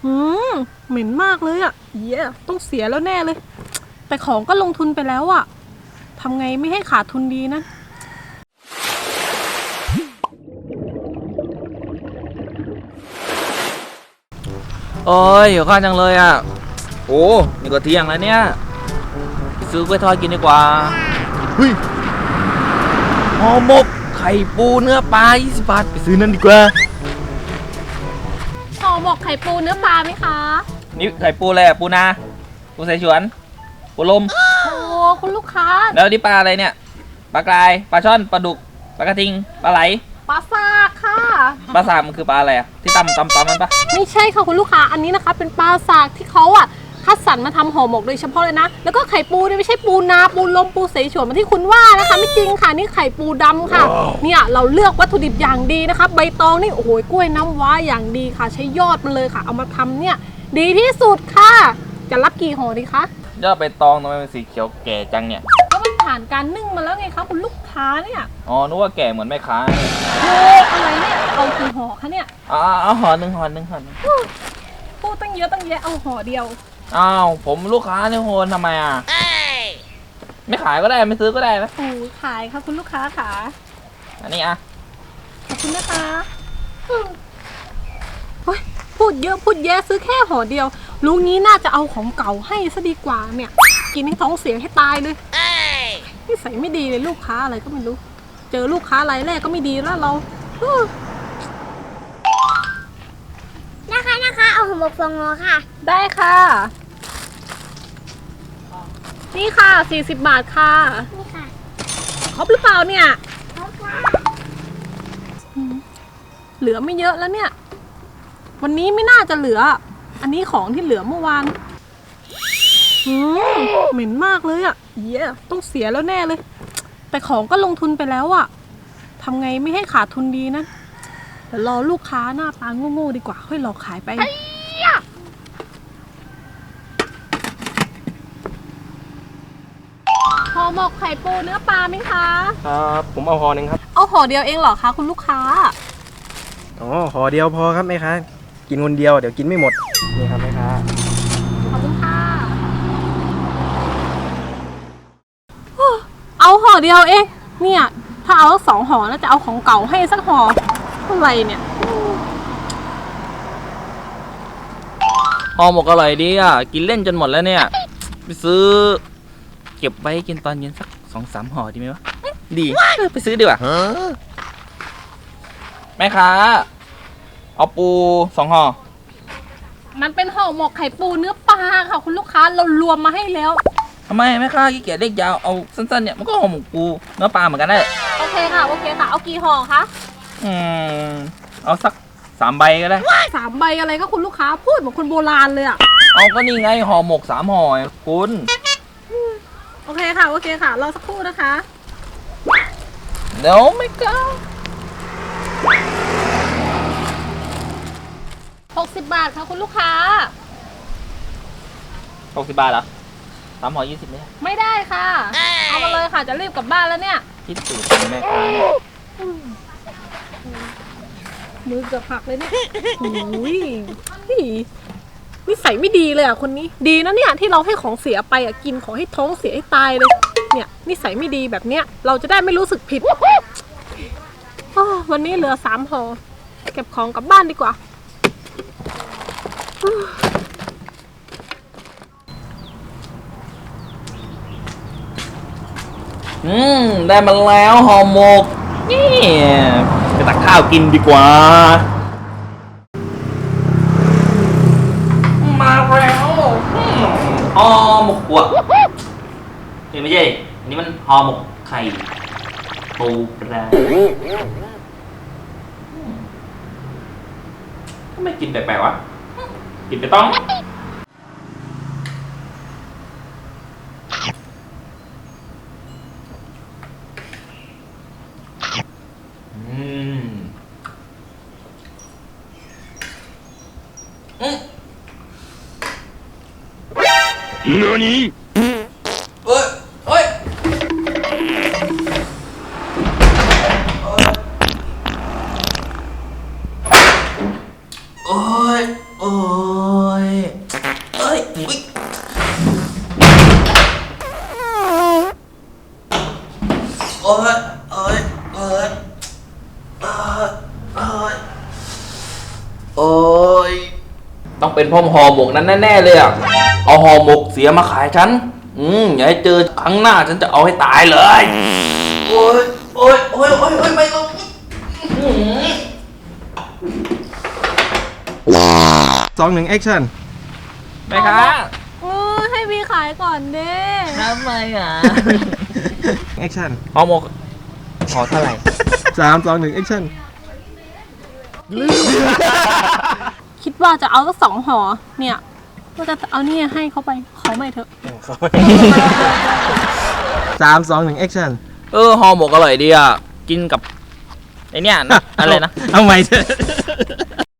อืมเหม็นมากเลยอ่ะเย้ต้องเสียแล้วแน่เลยแต่ของก็ลงทุนไปแล้วอ่ะทำไงไม่ให้ขาดทุนดีนะโอ้ยหิวข้าวจังเลยอ่ะโอ้นี่ก็เที่ยงแล้วเนี่ยไปซื้อกล้วยทอดกินดีกว่าเฮ้ยห่อหมกไข่ปูเนื้อปลา20 บาทไปซื้อนั่นดีกว่าห่อหมกไข่ปูเนื้อปลาไหมคะนี่ไข่ปูอะไรอ่ะปูนาปูสายฉวนปูลมโอ้คุณลูกค้าแล้วนี่ปลาอะไรเนี่ยปลากรายปลาช่อนปลาดุกปลากระทิงปลาไหลปลาซากค่ะปลาสากมันคือปลาอะไรอ่ะที่ตำมันปะไม่ใช่ค่ะคุณลูกค้าอันนี้นะคะเป็นปลาซากที่เขาอ่ะคัดสรรมาทำห่อหมกโดยเฉพาะเลยนะแล้วก็ไข่ปูเนี่ยไม่ใช่ปูนาปูลมปูเสฉวนเหมือนที่คุณว่านะคะไม่จริงค่ะนี่ไข่ปูดำค่ะ เนี่ยเราเลือกวัตถุดิบอย่างดีนะคะใบตองนี่โอ้โหกล้วยน้ำว้าอย่างดีค่ะใช้ยอดมันเลยค่ะเอามาทำเนี่ยดีที่สุดค่ะจะรับกี่ห่อดีคะยอดใบตองทำไมเป็นสีเขียวแก่จังเนี่ยก็มันผ่านการนึ่งมาแล้วไงคะคุณลูกค้าเนี่ยอ๋อนึกว่าแก่เหมือนแม่ค้าโอ้อะไรเนี่ยเอากี่ห่อคะเนี่ยเอาห่อหนึ่งพูดตั้งเยอะตั้งแยะเอาห่อเดียวอ้าวผมลูกค้าเนี่ยโหนทำไมอ่ะไม่ขายก็ได้ไม่ซื้อก็ได้นะโอ้ขายค่ะคุณลูกค้าค่ะอันนี้อ่ะขอบคุณนะคะเฮ้ยพูดเยอะพูดแยะซื้อแค่ห่อเดียวลุงนี้น่าจะเอาของเก่าให้ซะดีกว่าเนี่ยกินให้ท้องเสียให้ตายเลยนิสัยไม่ดีเลยลูกค้าอะไรก็ไม่รู้เจอลูกค้ารายแรกก็ไม่ดีแล้วเรานะคะเอาห่อหมกฟองงอค่ะได้ค่ะนี่ค่ะ40 บาทค่ะนี่ค่ะครบหรือเปล่าเนี่ยครบค่ะเหลือไม่เยอะแล้วเนี่ยวันนี้ไม่น่าจะเหลืออันนี้ของที่เหลือเมื่อวานเหม็นมากเลยอ่ะเย้ต้องเสียแล้วแน่เลยแต่ของก็ลงทุนไปแล้วอ่ะทำไงไม่ให้ขาดทุนดีนะเดี๋ยวรอลูกค้าหน้าตาโง่ๆดีกว่าค่อยหลอกขายไปห่อหมกไข่ปูเนื้อปลาไหมคะครับผมเอาห่อหนึ่งครับเอาห่อเดียวเองเหรอคะคุณลูกค้าอ๋อห่อเดียวพอครับแม่ค้ากินคนเดียวเดี๋ยวกินไม่หมดนี่ครับแม่ค้าขอบคุณค่ะเอาห่อเดียวเองเนี่ยถ้าเอา2 ห่อแล้วจะเอาของเก่าให้สักห่อเท่าไหร่เนี่ยห่อหมกอร่อยดีอ่ะกินเล่นจนหมดแล้วเนี่ยไปซื้อเก็บไว้กินตอนเย็นสัก2-3 ห่อดีไหมวะดีไปซื้อดีกว่าแม่ค้าเอาปู2 ห่อมันเป็นห่อหมกไข่ปูเนื้อปลาค่ะคุณลูกค้าเรารวมมาให้แล้วทำไมแม่ค้าขี้เกียจเรียกยาวเอาสั้นๆเนี่ยมันก็ห่อหมกปูเนื้อปลาเหมือนกันได้โอเคค่ะเอากี่ห่อคะเอาสัก3 ใบก็ได้ 3 ใบอะไรก็คุณลูกค้าพูดเหมือนคนโบราณเลยอ่ะเอาก็นี่ไงห่อหมก3 ห่อคุณโอเคค่ะรอสักครู่นะคะเดี๋ยวไม่กล้า 60 บาทค่ะคุณลูกค้า 60 บาทเหรอ3 ห่อ20 ไม่ได้ค่ะเอามาเลยค่ะจะรีบกลับบ้านแล้วเนี่ยคิดสูตรเป็นแม่ค้ามือเกือบหักเลยเนี่ยโอ้ยนิสัยไม่ดีเลยอ่ะคนนี้ดีนะเนี่ยที่เราให้ของเสียไปอ่ะกินของให้ท้องเสียให้ตายเลยเนี่ยนิสัยไม่ดีแบบเนี้ยเราจะได้ไม่รู้สึกผิดวันนี้เหลือ3 ห่อเก็บของกลับบ้านดีกว่าได้มาแล้วห่อหมกนี่ไปตักข้าวกินดีกว่ามาแล้วห่อหมกหัวนี่ไม่ใช่อันนี้มันห่อหมกไข่ปูปลาทำไมกินแปลกๆวะกินไปต้อง何เอ้ยเอ้ยโอ้ยโอ้โอ้ยต้องเป็นพ่อห่อหมกนั้นแน่ๆเลยอ่ะเอาห่อหมกเสียมาขายฉันอย่าให้เจอครั้งหน้าฉันจะเอาให้ตายเลยโอ้ยโอ้ยโอ้ยโอ้ยโอ้ยไม่ลง 2-1 action แม่ค้าให้พี่ขายก่อนเด้ทำไมอ่ะ action ห่อหมกห่อเท่าไหร่ 3-2-1 action คิดว่าจะเอาสัก2ห่อเนี่ยว่าจะเอานี่ให้เขาไปขอใหม่เถอะ 3-2-1 action ห่อหมกอร่อยดีอ่ะกินกับไอเนี้ยนะอะไรนะเอาใหม่เถอะ